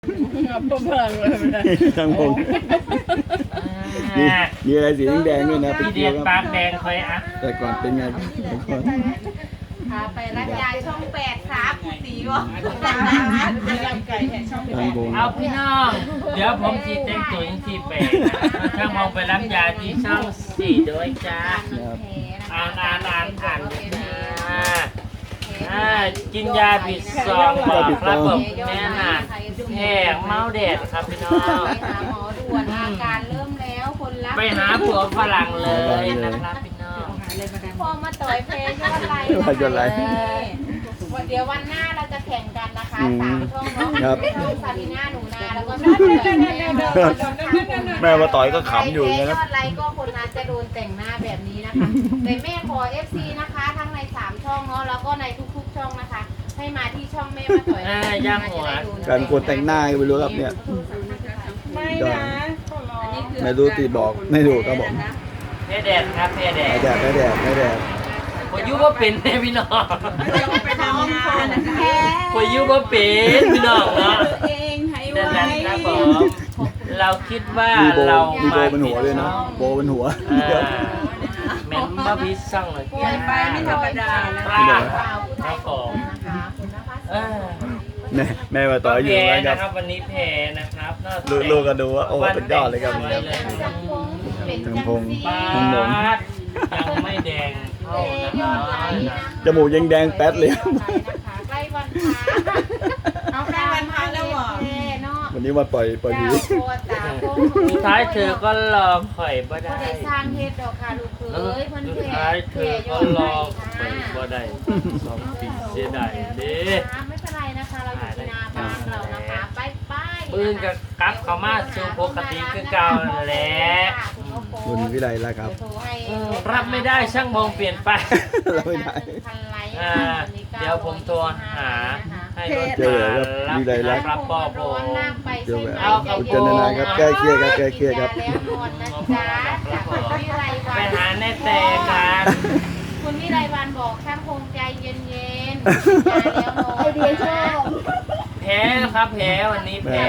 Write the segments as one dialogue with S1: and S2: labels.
S1: ทั้งพงมีอะไรสีแดงด้วยนะเป็น
S2: พี่
S1: เกี
S2: เดี
S1: ย
S2: ย
S1: ว
S2: ปากแดงคอยอ่ะ
S1: แต่ก่อนเป็นไงแต่ก่อน
S3: พาไปรักยายช่อง8ครับคุณสีวะ
S1: ทั้งพง
S2: เอาพี่น้องเดี๋ยวผมจีแต่งตัวยังที่แปดช่างมองไปรับยาที่ช่อง4ด้วยจ้าอ่านกินยาผิดซองบอกระบบแม่น่ะแหกเมาแดดครับพี่น้อง
S3: ไปหาหมอด่วนอาการเริ่มแล้วคนรัก
S2: ไปหาผัวฝรั่งเลยนะครับพี่น้อง
S3: พอมาต่อยเพลยอดไลค์เดี๋ยววันหน้าเราจะแข่งกันนะคะ3ช่องน้องซาบีน่าหนูนาแล้วก็
S1: แม่มาต่อยก็ขำอยู่
S3: นะ
S1: นะครับ
S3: ยอดไลค์ก็คนนั้นจะโดนแต่งหน้าแบบนี้นะคะแต่แม่ขอ FC นะคะทั้งใน3ช่องเนาะแล้วก็ในทุกๆช่องนะคะให้มาที่ช่องแม่มาต่อย
S2: ย่างหัว
S1: การกดแต่งหน้าไม่รู้ครับเนี่ยไม่รู้ตีบอกไม่รู้ครับผม
S2: แพ้แดดครับแพ้แด
S1: ไม่
S2: ด
S1: แดดไม่แดดไม่แดด
S2: พอยุว่าเป็นแน่พี่น้อง
S3: ไปทำงานนะคะ
S2: พอยุว่าเป็นพี่น้องเนาะ
S3: เองให้
S2: ดัง
S3: ไว้
S2: นั้นครับผมเราคิดว่า
S1: มีโบ
S2: เรา
S1: มีโบเป็นหัวเลยนะโบเป็นหัว
S2: แม่นมาพิซซ่องเลย
S3: ป่วยไปไม่ธรรมดานะ
S2: ป
S3: คะ
S2: ลา
S3: ครับผมนะคะคุณนภัส
S1: แม่มาต่อยอยู่
S2: แพ้
S1: นะค
S2: นะ
S1: รับ
S2: ครับวันนี้แพ้นะครับ
S1: ลูกก็ดูว่าโอ้เป็นยอดเลยครับ
S3: เป็นพง
S2: ปลายังไม่แดงเท่านะ
S1: จมูกยังแดงแป๊ดเลย
S3: ใกล้วันพระเอาใกล้วันพระแล้วเหรอเนาะ
S1: วันนี้มาปล่อยผี
S2: สุดท้ายเธอก็รอข่อยบ่
S3: ก็
S2: ได้
S3: ได้สร้างเฮ็ดดอกค่ะลูกเอ้ยเพิ่น
S2: สุด
S3: แผ่
S2: ท้ายเธ
S3: แผ่
S2: อย ก็
S3: อด
S2: ร
S3: ไล
S2: อ
S3: ค์
S2: ข่อยบ่ได้2 ปีเสียดายเด้
S3: ไม่เป็นไรนะคะเราอยู่ที่นาบ้านเรานะคะไปๆ
S2: ปืนกับกลับเข้ามาสู่ปกติคือเก่าแหละ
S1: คุณวิไลแล้วครับ
S2: รับไม่ได้ช่างมองเปลี่ยนไป
S1: รับไม่ได้
S2: เดี๋ยวผมโทรหาให้รถ
S1: เจอครับวิไลรัก
S2: รับปอโป
S1: เดี๋ยวแบบเจนนานครับใกล้เคียงครับใกล้เคียงครับ
S3: แล้วนวลนะจ๊ะจากคุณวิไล
S2: ไป
S3: วัน
S2: หาแน่แต่กัน
S3: คุณวิไลวันบอกช่างคงใจเย็นๆไอเดียชอบ
S2: แพ้ครับแพ้วันนี้แพ้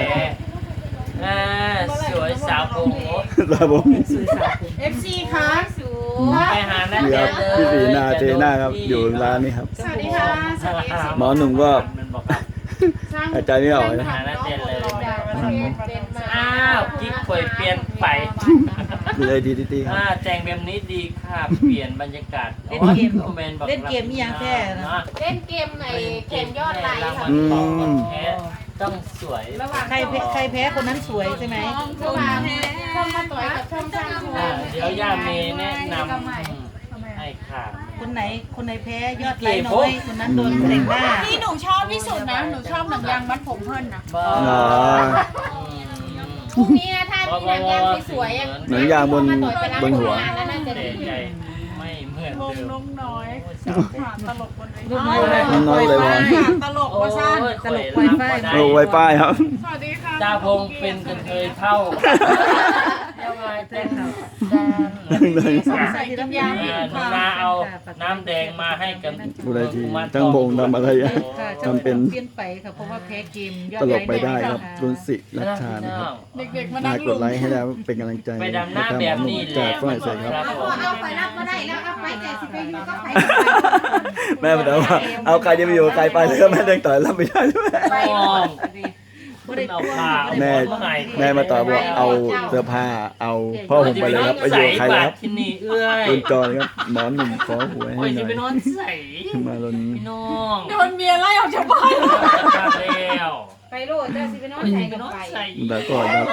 S2: สวยสาวโอ้โห
S1: ครับผม
S3: FC ค่ะสู
S2: ไปหาแน่
S1: นี่ค
S2: แต่
S1: รับพี่สีนาเจน่าครับอยู่ร้านนี้ครับ
S3: สวัสดีค่ะสวัสดีค่ะ
S1: หมอหนุ่มก็
S2: มันบอกครับ
S1: หายใจไม่ออกนะ
S2: หาแน่แต่เลย
S3: เป็นมา
S2: อ้าวกิ๊กข่อยเปลี่ยนไป
S1: ดูเลยดีดีครับ
S2: แต่งแบบนี้ดีค่ะ เปลี่ยนบรรยากาศ
S4: เล่นเกม
S2: เล่นเกมมีอย่างแท้นะ
S3: เล่นเกมในเกมยอดไลค์ค่ะ
S2: ต้องสวย
S4: ใครแพ้คนนั้นสวยใช่ไหม
S3: ช่องมาต่อยกับช่องสร้างโชว์
S2: เดี๋ยวย่าเมย์แนะนำให้ค่ะ
S4: คนไหนแพ้ยอดไลค์น้อยคนนั้นโดนแต่งหน้า
S5: ที่หนูชอบที่สุดนะ หนูชอบหนังยางมัดผมเพิ่นนะ
S2: บ้า
S1: อ๋อ
S3: พรุ่งนี้นะถ้ามีหนังยางสวยๆ
S1: หนังยางบนหัว
S3: แล้วน่าจะ
S2: แต่
S3: ดี
S2: ใจไม่เหมือน
S5: วง
S2: เดิม
S5: น้องน้อยตลกบนเวที
S4: ลูกน้อยเลย
S1: น้อยเลยวัน
S5: ตลกว่าสั้น
S4: ตลกไวไฟ
S1: โอ้ไวไฟครับ
S5: สวัสดีค่ะ
S2: จ้าพงเป็นกันเคยเท่าเดี๋ยวมาเต้น
S5: ใส่กินยา
S2: หนูนาเอาน้ำแดงมาให้กัน
S1: ดูเลยทีทั้งพงทำอะไรอะ
S4: ค่ะ
S1: ทำเป็น
S4: เปลี่ยนไปค่ะเพราะว่าแพ้เกมยอด
S1: ตล
S4: ไล
S1: ก
S4: ค์
S1: ไปได้ครับ
S4: น้อย
S1: รุนสิรัชชานะครับ
S5: เด็กๆมา
S1: น่า
S5: นั่ง
S1: ก
S5: ลุ
S1: ด
S5: ม
S1: ไลค์ให้แล้วเป็นกำลังใจ
S2: ไปดำหน้าแบบนี้แหละ
S1: จากฝรั่งเศสครับ
S3: เอาไปรับก็ได้แล้วเอาไปแต่สิไปอยู่ก็ไป
S1: แม่บอกว่าเอาใครจะไปอยู่กับใครไปแล้วก็แม่เดินต่อยรับไม่ได้ด้วย
S2: ไปมอง
S4: บ่ได้
S2: เอา
S4: ตัว
S2: ผ้า
S1: แม่มาต่อบอกเอาเสื้อผ้าเอาพ่อผมไปเลยครับไปอยู่กับใครแล้วครับ
S2: ที่นี่เอื้อย
S1: คุณจอยครับหมอหนุ่มขอหวย
S2: โอ้
S1: ให้
S2: ย
S1: ห
S2: จะ
S1: น่
S2: ไปน
S1: อ
S2: อย นใส่
S1: มาลน
S2: พี่น้อง
S5: โดนเมียไล่ออกจากบ้าน
S2: มาแล้ว
S3: ไปโลดเจ้าสิไปนอน
S2: โอ้ย
S3: ใส่
S2: จะไป
S3: กัน
S2: นอน
S3: ไป
S2: ใส่
S1: แล้วก็ครับ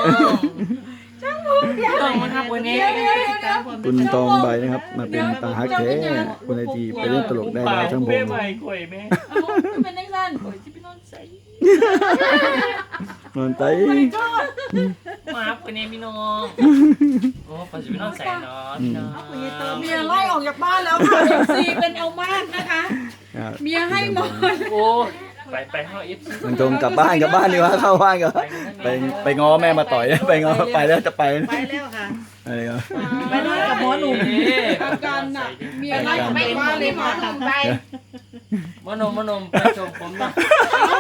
S2: ต้องมาครับวันนี้
S1: คุณตองใบนะครับ มาเป็นตาฮักแท้คุณไอทีไปเล่นตลกได้แล้วทั้งพ
S2: เป้
S1: ง
S2: ใหม่ข่อยแม่
S5: เป็นนักสั้น
S2: ข่อยจะไปนอนใส่
S1: นอนไต
S2: มาครับวันนี้พี่น้องโอ้ข่อยจะไปนอนใส่เนาะพี่น้อง
S5: เมียไล่ออกจากบ้านแล้วค่ะเอฟซีเป็นเอามากนะคะ เมียให้นอน
S2: โอ้ไปห้องเอฟซี
S1: คุณตรงกลับบ้านดีกว่าเข้าบ้านกันไปง้อแม่มาต่อยไปง้อไปแล้วจะไป
S4: ไปแล้วค่ะ
S1: อะไรครับ
S4: ไปนอนกับหมอหนุ่ม
S5: อาการหนักเมียไล่ออก
S3: ไป
S5: จาก
S3: หมอ
S5: บ้านเล
S3: เลย
S5: ย
S3: หมอ
S5: ค่ะ
S3: หนุ่มไป
S2: มโนมไปชมผมนะ
S1: อ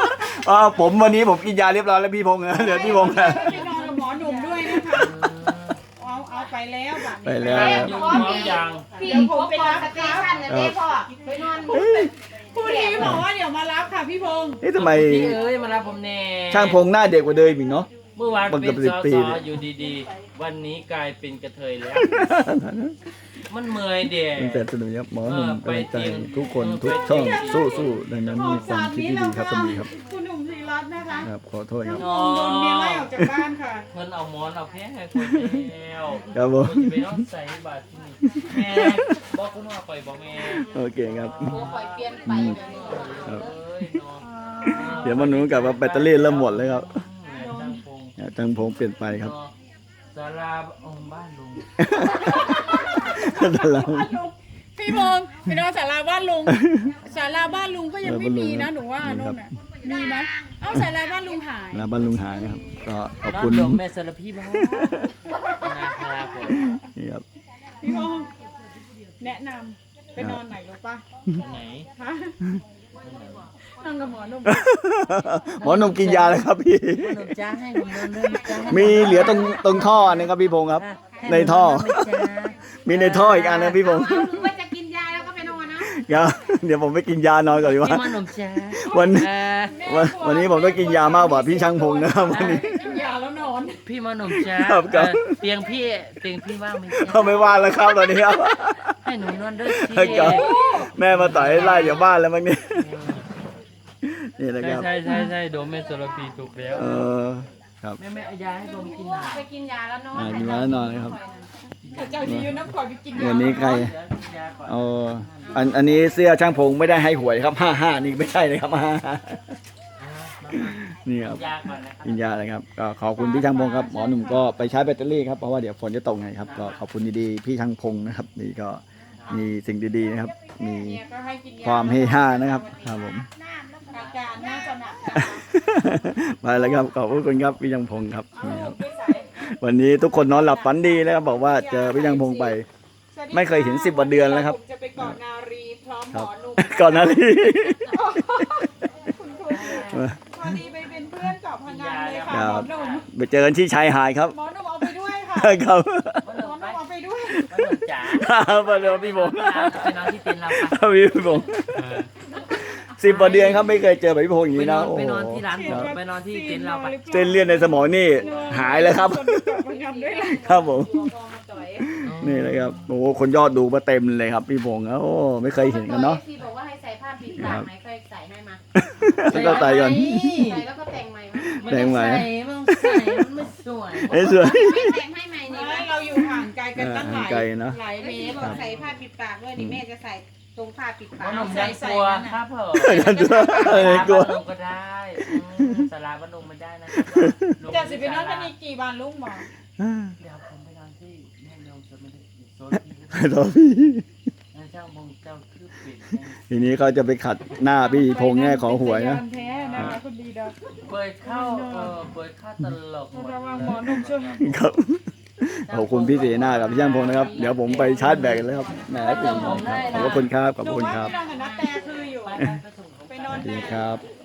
S1: ผมวันนี้ผมกินยาเรียบร้อยแล้วพี่พงษ์เหลือพี่พงษ์
S5: ไปนอนกับหมอหนุ่มด้วยนะคะเอาไปแล้วบัดนี้
S1: ไปแล้ว
S2: อยู่พร้อมยัง
S3: พี่ผมไปรับสเตชันนะแม่พ่อไปนอน
S5: ผู้ทีบอกว่าเดี๋ยวมารับค่ะพี่พงษ์
S1: นี่ทำไม
S2: พี่เอ้ยมารับผมแน่
S1: ช่างพงหน้าเด็กกว่าเดิมอีกเนาะ
S2: เมื่อวาน
S1: มัน
S2: เป็
S1: จะ
S2: น
S1: เป็น
S2: ส
S1: ปี
S2: ส
S1: เลย
S2: อยู่ดีๆ วันนี้กลายเป็นกระเทยแล้ว มันเมื่อยเด็
S1: ตั้งแต่สนุกครับหมอหนุ่ม
S2: ไป
S1: กำลังใจ
S2: เตรียม
S1: ทุกคนทุกช่องสู้ๆดังนั้นมีความคิดที่ดีครับสมีครับ
S5: คุณหนุ่มศรีรัตน์นะคะ
S1: ครับขอโทษครับ
S5: โดนเมียไล่ออกจากบ้านค่ะ
S2: เพิ่นเอาหมอนเอาแพ้ให้คนแล้ว
S1: ครับผม
S2: คนจะไปนอนใส่บาตรที่นี่แม่บอกคุณว่าไปบอกแม่
S1: โอเคครับ
S3: โอ้คอยเปลี่ยนไปแบบนี้
S1: ครับ
S2: เอ้ยเนาะ
S1: เดี๋ยวมันหนุนกับว่าแบตเตอรี่เริ่มหมดเลยครับ
S2: ช่างพง
S1: จังพงเปลี่ยนไปครับ
S2: เนาะศาลาองค์บ้านลุง
S1: แต่เรา
S5: พี่พงษ์ไปนอนศาลาบ้านลุงศาลาบ้านลุงก็ยังไม่มีนะหนูว่าโน่นน่ะมีไหมเอ้าศาลาบ้านลุงหาย
S1: แล้วบ้านลุงหายนะครับ ก็ขอบ
S2: นอน
S1: คุณ
S2: ดมแม่สารพีบ้างนะครับผม
S1: นี่ครับ
S5: พี่พงษ์แนะนำไปนอนไหนรู้ป่ะ
S2: ไหน
S5: ฮะนอนกับหมอหนุ่ม
S1: หมอหนุ่มกินยาแล้วครับพี่
S2: ขนมจ้าให้ผมนอนด้วยจ้า
S1: มีเหลือตรงท่อนะครับพี่พงษ์ครับ ในท่อ มีในท่ออีกอันนะพี่พงษ์
S3: เอาหรือว่าจะกินยาแล้วก็ไปนอนนะครับ
S1: เดี๋ยวผมไปกินยานอนก่อนดีกว่า
S2: พี่ขนมจ้า
S1: วันนี้ผมต้องกินยามากกว่าพี่ช่างพงษ์นะครับวันนี้
S5: กินยาแล้วนอน
S2: พี่ขนมจ้า
S1: ครับครับ
S2: เตียงพี่ว่างไหม
S1: เขาไม่ว่าแล้วครับตอนนี้ครับ
S2: ให้หนูนอนด้วยสิ
S1: ครับแม่มาต่อยให้ไล่จากบ้านแล้วมั้งเนี่ยนี่นะครับ
S2: ใช่โดมแม่สารพีถูกแล้ว
S1: ครับ
S2: แม่เอายาให้ผมกินหน่อย
S3: ไปกินยาแล้วนอน
S1: กินยาแล้วนอนเลยครับ
S5: เจ้าดีอยู่น้ำก่อนไปกินยา
S1: วันนี้ใคร
S2: เดี๋ยวกินยาก่อน
S1: อันนี้เสื้อช่างพงไม่ได้ให้หวยครับ55นี่ไม่ใช่เลยครับ55นี่ครับ
S2: ยาก่อนนะครับ
S1: กินยาเลยครับก็ขอบคุณพี่ช่างพงครับหมอหนุ่มก็ไปใช้แบตเตอรี่ครับเพราะว่าเดี๋ยวฝนจะตกไงครับก็ขอบคุณดีๆพี่ช่างพงนะครับนี่ก็มีสิ่งดีๆนะครับ มี
S5: เนี่ยก็ให้กินยา
S1: ความเฮฮานะครับครับผม
S5: อาการน่าจะหนัก
S1: ไปแล้วครับขอบคุณครับพี่ช่างพงครับนี่ครับวันนี้ทุกคนนอนหลับฝันดีแล้วครับบอกว่าเจอพี่ช่างพงไป ไม่เคยเห็น10 กว่าเดือนแล้วครับ
S5: ผมจะไปเกาะนารีพร้อมห
S1: ค
S5: ม
S1: รับ
S5: อหนุ่ม
S1: ก่อนหน้านี้
S5: คุณครูพอดีไปเป็นเพื่อนเกาะพังงานเลยค่ะ
S1: ครั
S5: หมอบ หนุ่ม
S1: ไปเจอกันที่ชายหาดครับ
S5: หมอหนุ่มเอาไปด้วยค่ะ
S1: ครับ
S5: หมอหนุ่มเอาไปด้วย
S2: ขนมจ๋า
S1: มาเลยพี่พงษ์
S2: ไปนอนที่เต็นท์เราปะ
S1: พี่พงษ์10 กว่าเดือนครับไม่เคยเจอแบบพี่พงษ์อย่าง
S2: ไป
S1: นี้
S2: น
S1: นะ
S2: อน
S1: โอ้
S2: ไป
S1: โห
S2: นอนที่ร้านผมไปนอนที่เต็นท์เราปะ
S1: เส้นเลือดในสมองนี่หายแล้วครับ
S5: คนเกาะพังงานด้วยล่ะ
S1: ครับผม
S3: มองมาจ่อย
S1: นี่เลยครับโอ้โหคนยอดดูมาเต็มเลยครับพี่พงษ์โอ้ไม่เคยเห็นกันเนาะ
S3: พี่บอกว่าให้ใส่ผ้าปิดปากไหมเคยใส่ให้มา
S1: แล้วก็ใส่ก่อน
S3: ใส่แล้วก็แต่งใหม่มา
S1: แต่งใหม่
S2: มันใส่มันไม่สวย
S1: ไอ้สวย
S3: ไม่แต่งให้ใหม่นี่
S5: ไม่เราอยู่ห่างไกลกันตั้งหลาย
S1: ห่างไกลนะ
S5: หลายเม
S3: แม่
S5: ตร
S3: บอกใส่ผ้าปิดปากด้วยนี่แม่จะใส่ตรงผ้าปิดปา
S2: ข
S3: ก
S2: นมยันตัวครับเผอ
S1: ยันตัวอะไรกลัว
S2: ลงก็ได้สาราบ้านลงไม่ได้นะ
S5: จะสิไปนอนกันอีกกี่วันลูกหมอ
S2: เดี๋ยวผมไปนอนที่แม่ลงจะไม่ได้โซนที่
S1: รอพี่
S2: เจ้าบงเจ้าคือปิด
S1: ทีนี้เขาจะไปขัดหน้าพี่พงษ์แง่ของหวยนะ
S5: แท้นะคะคุณดีดา
S2: เปิดเข้าเปิดเข้าตลก
S5: ระวังหมอหนุ่มช่วย
S1: ครับขอบคุณพี่เสนากับพี่ช่างพงษ์นะครับเดี๋ยวผมไปชาร์จแบตกันแล้วครับแหมเป็นขอบคุณครับขอบคุณครับ
S5: หนูว่าพี่นอนกับนักแต่คืออยู่ ไปนอน
S1: ดี
S5: แต่
S1: ครับ